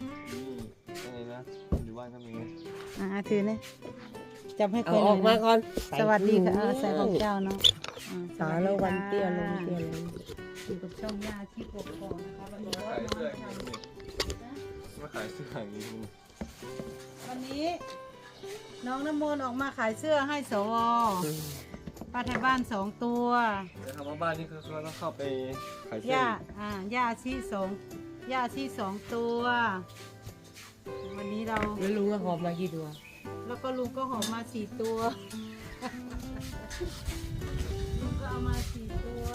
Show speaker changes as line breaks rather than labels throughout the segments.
อะไรนะอยู่บ้านก็มี
ถือเนี่ยจับให้ค
เอา
น
ออกมาก่อน
สวัสดีค่ะใส่ของเจ้าเนาะ
สาละวันเตี้ยลงเตี้ยลง
อยู่กับช่องยาที่ปกครองนะคะวันนี้
ขายเสื้ออย่างนี้มาขายเสื้ออย่างนี้
วันนี้น้องน้ำมนต์ออกมาขายเสื้อให้สวป้าไทยบ้าน2 ตัว
แต่คำว่าบ้านนี่คือเขาต้องเข้าไปขายเสื้อย่
าชี2 ตัว วันนี้เรา
แล้วลุงก็หอบมากี่ตัว
แล้วก็ลุงก็หอมมา4 ตัวลุงก็เอามา4 ตัว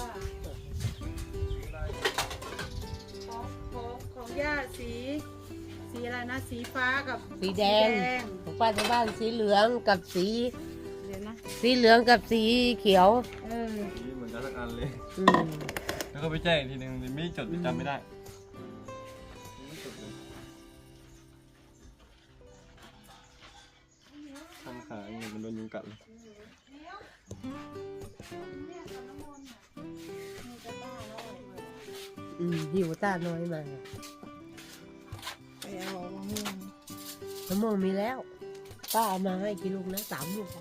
ของย่าสีอะไรนะสีฟ้ากับ
สีแดงของป้าที่บ้านสีเหลืองกับสี
เดี๋ยวนะ
สีเหลืองกับสีเขียว
สีเหมือนกันทั้งอันเลย
อืม
แล้วก็ไปแจ้งอีกทีนึงไม่จดจำไม่ได้ทำขาเงินมันโดนยุงกัดเลย
หิวตาน้อยมา
ไปเอามะม่วง
มะม่วงมีแล้วป้าเอามาให้กี่ลูกนะ3 ลูก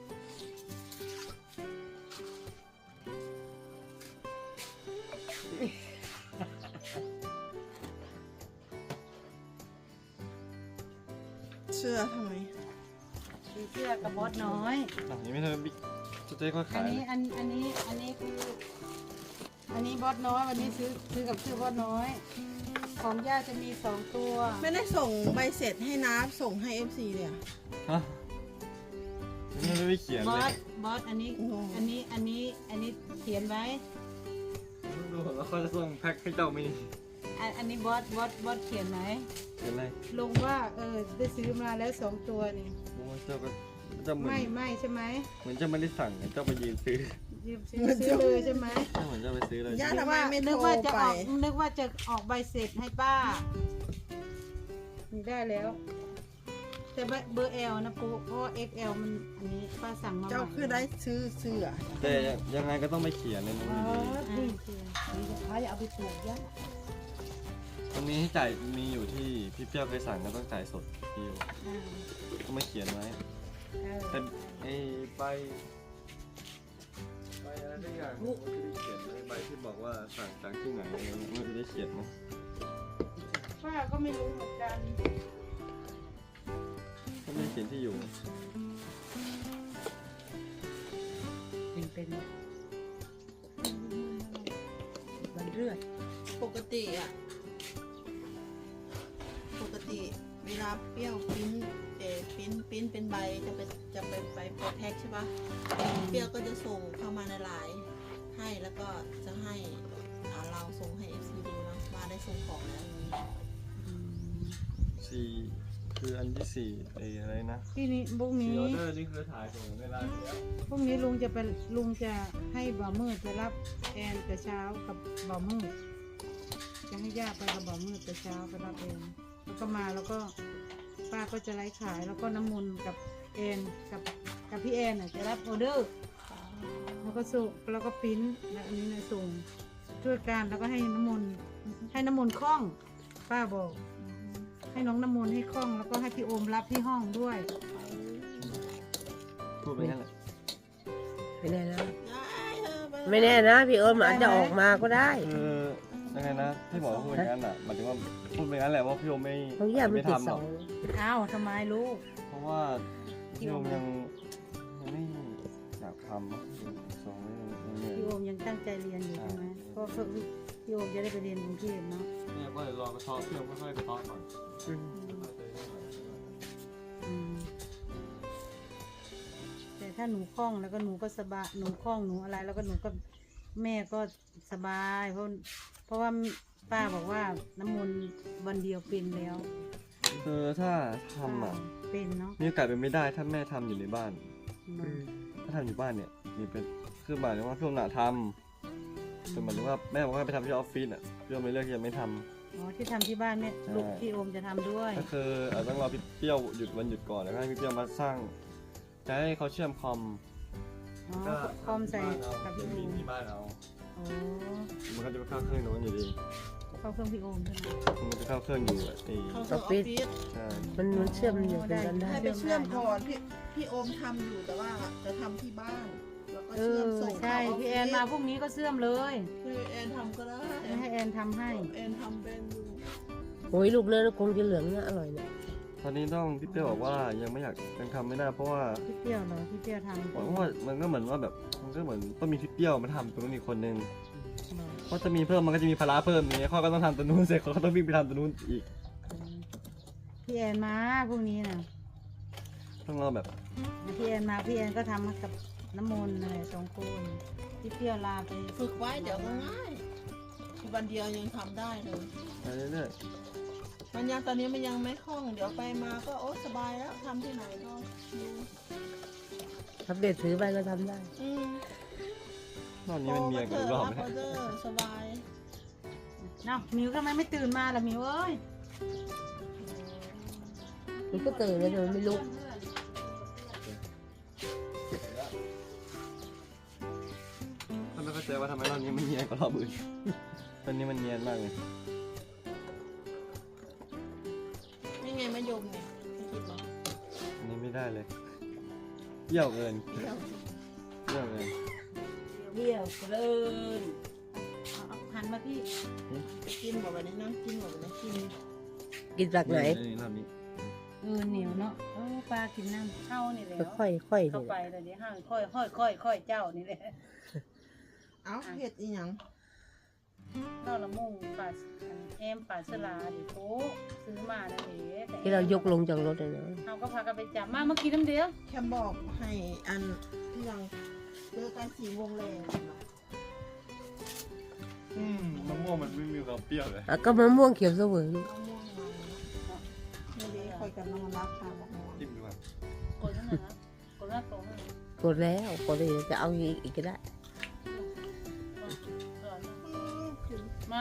เสื้อทำไม
สีเสื้อกับบอสน้อย
ยังไม่เธอบิ๊กจะได้ค่อย
อั
ขาน ย
นี้คือบอสน้อยวันนี้ซื้อกับชื่อบอสน้อย ของย่าจะมี2 ตัว
ไม่ได้ส่งใบเสร็จให้น้าส่งให้ FC เลยอะ
ฮะยังไม่ได้เขียน
บ
เล
อย สอันนี้เขียนไว้
ดูแล้วเขาจะส่งแพ็คให้เจ้ามี
อันนี้บอสเขียนไหม
เขียนอะไร
ลงว่าได้ซื้อมาแล้ว2 ตัวนี่
โอ้เจ้าก็เจ้าเหมือน
ไม่ใช่ไหม
เหมือนเจ้าไม่ได้สั่งเจ้าไปยืนซื้อ
ยืมซื้อเลยใช่ไหม
เจ้าเหมือนเจ้าไปซื้อเลย
ย่าทำไมไม่โท
นึ
ร
กว่าจะ
ไป
ออกใบเสร็จให้ป้านี่ได้แล้ว แต่เบอร์ L นะปุ๊เพราะว่า XL มันอันนี้ป้าสั่งมา
เจ้าคือได้ซื้อเสื้อ
แต่ยังไงก็ต้องไปเขียนเลยนะ
นี่
เอาไปปลูกย่า
ตรงนี้ให้จ่ายมีอยู่ที่พี่เปรี้ยวเคยสั่งก็ต้องจ่ายสดพี่อยู่ต้องมาเขียนไว้แต่ไอ้ใบอะไรสักอย่างผมก็จะได้เขียนไว้ใบที่บอกว่าสั่งจากที่ไหนอะไรเงี้ยมันจะได้เขียนนะ
ป้าก็ไม่รู้เหมือนกัน
ก็ไม่เขียนที่อยู่
เป็นมันเลือด
ปกติเวลาเปรี้ยวปิ้นเป็นใบจะไปโปรแท็กใช่ปะเปรี้ยวก็จะส่งเข้ามาในไลน์ให้แล้วก็จะให้เราส่งให้ FC ดูนะว่าได้ส่งของแล้วอย่างนี้
สี่คืออันที่สี่ไอ้อะไรนะ
ที่นี้พรุ่ง
สี่
นี้
ออเดอร์นี่คือถ่ายส่งในร้านแล้ว
พรุ่งนี้ลุงจะให้บ่าวมืดไปรับแอนแต่เช้ากับบ่าวมืดจะให้ย่าไปกับบ่าวมืดแต่เช้าไปรับแอนแล้วก็มาแล้วก็ป้าก็จะไลฟ์ขายแล้วก็น้ำมนต์กับแอนกับพี่แอนจะรับออเดอร์แล้วก็ส่งแล้วก็ปริ้นแล้วอันนี้นะส่งช่วยกันแล้วก็ให้น้ำมนต์คล่องป้าบอก ให้น้องน้ำมนต์ให้คล่องแล้วก็ให้พี่โอมรับที่ห้องด้วย
พูดไปงั้นแหละ
ไม่แน่นะ
ได้เออไป
ไม่แน่นะพี่เอิญอาจจะออกมาก็ได้
คือยังไงนะที่บอกว่าพูดอย่างนั้นอ่ะหมายถึงว่าพูดไปงั้นแหละว่าพี่โอมไม่
ของย่ามัน
ไม่
ติด
ทำห
เส
ร
อ
อก
ง
อ้าวทำไมลูก
เพราะว่าพี่โอมยังไม่อยากทำส่งไม่เหนื่อย
พี่โอมยังตั้งใจเรียนอยู่ใช่ไหมเพราะพี่โอมจะได้ไปเรียนกรุงเทพเนาะ
เนี่ยก็เลยรอกระเทาะพี่โอมค่อยๆกระเทาะก่อน
อืมแต่ถ้าหนูคล่องแล้วก็หนูก็สบายหนูคล่องหนูอะไรแล้วก็หนูก็แม่ก็สบายเพราะว่าป้าบอกว่าน้ำมนต์วันเดียวเป็นแล้ว
คือถ้าทำอ่ะ
เป็นเนาะ
มีโอกาสเป็นไม่ได้ถ้าแม่ทำอยู่ในบ้าน
เนาะ
ถ้าทำอยู่บ้านเนี่ยมีเป็นคือหมายถึงว่าพี่โอมน่ะทำแต่หมายถึงว่าแม่บอกว่าไปทำที่ออฟฟิศอ่ะพี่โอมไม่เลือกที่จะไม่ทำ
อ๋อที่ทำที่บ้านแม่ลูกพี่โอมจะทำด้วย
ก็คือต้องรอพี่เปรี้ยวหยุดวันหยุดก่อนแล้วก็ให้พี่เปรี้ยวมาสร้างจะให้เขาเชื่อมคอม
อ๋อคอมใส่กับพี่โอม
ที่บ้านเอา
โอ้
มันก็จะไปเข้าเครื่องโน้นอยู่ดี
อเข้าเครื่องพี่โอมใช่ไหม
มันจะเข้าเครื่องอยู่อะไอ้
เขาเครื่องออฟฟิศ
ใช่
มันเชื่อมอยู่กันได้
ให้ไปเชื่อมก่อนพี่โอมทำอยู่แต่ว่าจะทำที่บ้านแล้วก็
เอ
เชื่อ
อ
มส่ง
ใช่
เข้าออฟฟิศ
พี่แอนมาพรุ่งนี้ก็เสื่อมเลย
คือแอนทำก็ได้
ให้แอนทำให้
แอนทำเป็นอยู่
โอ้ยลูกเนื้อคงจะเหลืองนะอร่อยเนี่ย
ตอนนี้ต้องพี่เปรี้ยวบอกว่ายังไม่อยากยังทำไม่ได้เพราะว่า
พี่เปรี้ยวเหรอพี่เปรี้ยวทำ
เพราะว่ามันก็เหมือนว่าแบบมันก็เหมือนต้องมีพี่เปรี้ยวมาทำตรงนู้นอีกคนนึงเพราะจะมีเพิ่มมันก็จะมีภาระเพิ่มอย่างเงี้ยเขาก็ต้องทำตัวนู้นเสร็จเขาก็ต้องวิ่งไปทำตัวนู้นอีก
พี่แอนมาพรุ่งนี้นะ
ต้องรอแบบ
พี่แอนมาพี่แอนก็ทำกับน้ำมนต์อะไรสองคนพี่เปรี้ยวลาไป
ฝึกไว้เดี๋ยวก็ง่ายวันเดียวยังทำได้เลย
ไปเรื่อย
มันยังตอนนี้มันยังไม่คล่องเดี๋ยวไปมาก็โอ๊สบายแล้วทำที่ไหนก็ดู
ทับเด็ดถือไปก็ทำได้
ๆนอกนี้มันมีอะไรกันอีกรอบไหม
ออเดอร์สบาย
เนาะมิวทำไมไม่ตื่นมาล่ะมิวเอ้ย
มันก็ตื่นแล้วแต่มันไม่ลุก
ถ้าไม่เข้าใจว่าทำไมรอบนี้มันเนียนกว่ารอบอื่นตอนนี้มันเนียนมากเลย
นี่ไงมะยมเนี่ยไม่คิดหรอ
อันนี้ไม่ได้เลยเยี่ยวเกิน
เดี๋ยว
เยี่ยวเกิน
เดี่ยวเลิน
เอาหันมาพี่
ไปกินหมดวันนี้นั่งกินหมดวันนี้กิน
กินจากไหน
รอบนี้
เหนียวเนาะปลากินน้ำเข้านี่แหละ
ค่อยๆ
เข้า
นี่
ไปเลยเดี๋ยวห้างค่อยเจ้านี่แหละ
เอ้าเห็ดอีหยัง
เราละมุ่งปลาแอมปลาสลาดิโถซื้อมานะเด็ก
ที่เรายกลงจากรถเลยนะ
เราก็พากันไปจับมาเมื่อกี้น้ำเดียว
แค่บอกให้อันที่ยังเจอกัน4 โมงแรง
มะม่วงมันไม่มีความเปรี้ยวเลย
อ่ะก็มะม่วงเขียวเสวยลูก
มะม่วงมาไม่ได้คอยกันน้องรักค่ะบอกม่วง
จิ้มดูครับ
กดนั่นนะกดหน้าตรง
กดแล้วกดเลยจะเอาอีกก็ได้
มา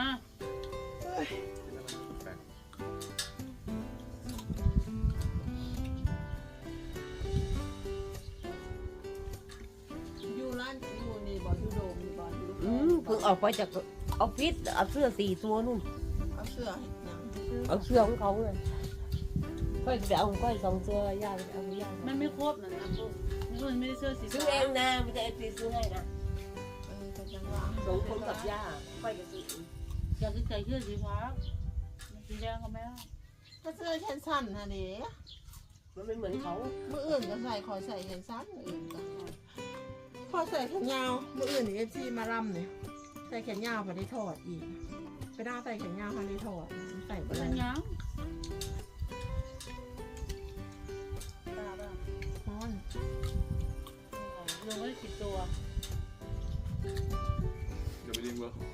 อยู่ร้านอยู่นี่บอลยูโดมนี่บอลยูโด
เพิ่งออกไปจากออฟฟิศเอาเสื้อ4 ตัวนู่น
เอาเสื้อเห็ดหยัง
เอาเสื้อของเขาเลยค่อยไปเอาของค่อย2 เสื้อย่าไปเอาย่า
มันไม่ครบนะพวกนี่มันไม่ได้เสื้อสี
ซื้อเองนะไม่ใช่ตีซื้อให้นะ
ก็จังว่า
2 คนกับย่าค่อยกับซื้อ
อยากจะใส่เสื้อสีฟ้าสีแดงก็ไม่ได้
ก็เสื้อแขนสั้นฮะเด้
มันไม่เหมือนเขา
มื่ออื่นก็ใส่คอยใส่แขนสั้นมื่ออื่นก็พอใส่แขนยาวมื่ออื่นนี่ที่มารำเนี่ยใส่แขนยาวพอได้ถอดอีกไปได้ใส่แขนยาวพอได้ถอดใส่ไป
เป็น
เล
ยั
ย
งยังตาบ้าง
ร้อน
ลงไว้10 ตัว
เดี๋ยวไปดึงเบอร์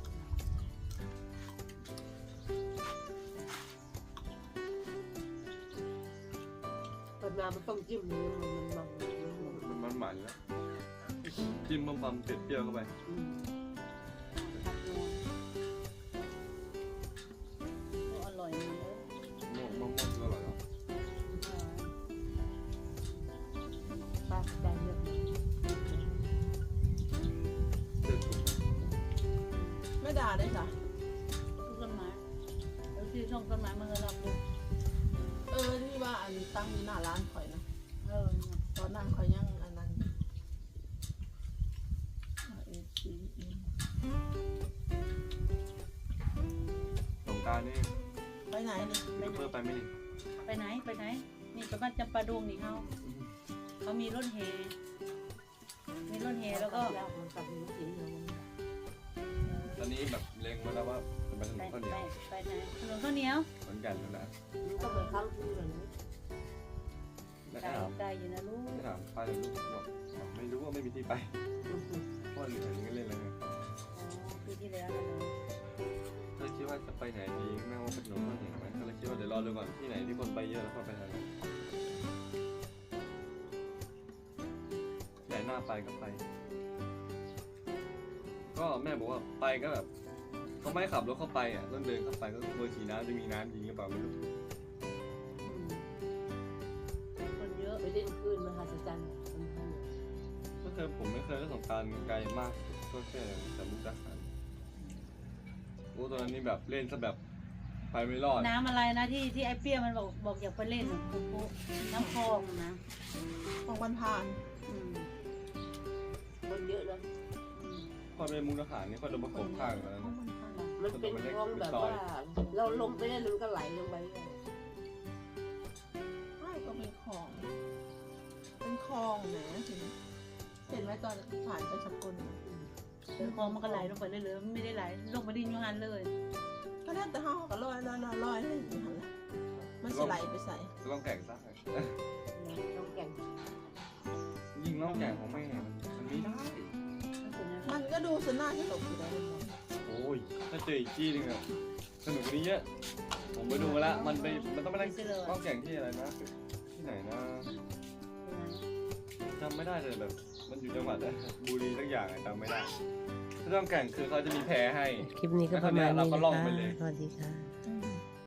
เปิดมามันต้องจิ้มเลยมัน
มันหมันแล้วจิ้มความเผ็ดเปรี้ยวเข้าไป
อร่อยนะ
มะม่วงก็อร่อยแล้ว
ปลาได้เยอะ
เผ็ดสุด
ไม่ด่าได้จ้ะ
ต้นไม้แล้วที่ช่องต้นไม้มันก็รับลูก
ที่ว่าอันตั้งอยู่หน้าร้านข่อยนะ
เออ
ตอนนั้นข่อยยังอันนั้น
สงกรารนี่
ไปไหนนี่
มีเพิ่มไปไหมนี่
ไปไหนนี่ไปบ้านจำปาดงนี่เขามีรถแห่แล้วก็
มันกับลูกสีเหลือง
ตอนนี้แบบเล็งไว้แล้วว่าจะไปถน
ไป
นข้าวเหนียว
ไหนถนนข้าวเหนียว
เหมือนกันนั่นแหละ
มันก็เหมือนข้าวคือเลยนะ
แล้ว
ไกล
ก็ถาม
ไกลอยู่นะลูก
ก็ถามไปลูกบอกไม่รู้ว่าไม่มีที่ไปพ่อหรืออะไรเงี้ยเล่นอะไรเงี้ย
ปีที่แล้วนะ
ก็เลยคิดว่าจะไปไหนดีแม่ว่าเป็นถนนข้าวเหนียวไหมก็เลยคิดว่าเดี๋ยวรอดูก่อนที่ไหนที่คนไปเยอะแล้วก็ไปทางนั้นไหนหน้าไปก็ไป ก็แม่บอกว่าไปก็แบบเขาไม่ขับรถเข้าไปอ่ะต้องเดินเข้าไปก็เบอร์ขี่น้ำจะมีน้ำจริงหรือเปล่าไม่รู้
คนเยอะ
ไปเล่นคลื่นมหัศจรรย์
ก็เคยผมไม่เคยเล่นสงกรารไกลมากก็แค่จากมุกดาหารโอ้ตอนนั้นนี่แบบเล่นซะแบบไปไม่รอด
น้ำอะไรนะที่ไอ้เปรี้ยวมันบอกอยากไปเล่นปุ๊น้ำคลองนะ
ของวันผ่าน
อืม
คนเยอะเลย
พอเป็นมุกอาหารนี่ก็โดนประกบข้างแล้ว
ของ
นะ
วันผ่าน
มันเป็นคลองแบบว่า เราลงไปเล่นมันก็ไหลลงไปเลย
ไม่ก็เป็นคลอง เป็นคลองนะเห็นไหมตอนผ่านไปสกุล
เดี๋ยวคลองมันก็ไหลลงไปเรื่อยๆไม่ได้ไหลลงมาดินยูฮันเลย
ก็น่าจะห้องก็ลอยเลยอย่างนั้นแหละมันสิไหลไปใส่
จะต้องแก่งซะ
ต้องแก่ง
ยิงน้องแก่งของแม่มันไม่ได้
มันก็ดูสน่าสนุกอยู่แล้ว
โอ้ยถ้าเจออีกที่นึงอะสนุกกว่านี้เยอะผมไปดูมาแล้วมันต้องไปนั่งน้องแก่งที่อะไรนะที่ไหนนะจำไม่ได้เลยแบบมันอยู่จังหวัดบุรีสักอย่างจำไม่ได้ที่ต้องแก่งคือเขาจะมีแพให้
คลิปนี้ก็ประมาณนี้
เราก็ล่อง
นะ
ไป
คะ
เลย
สวัสดีค่ะ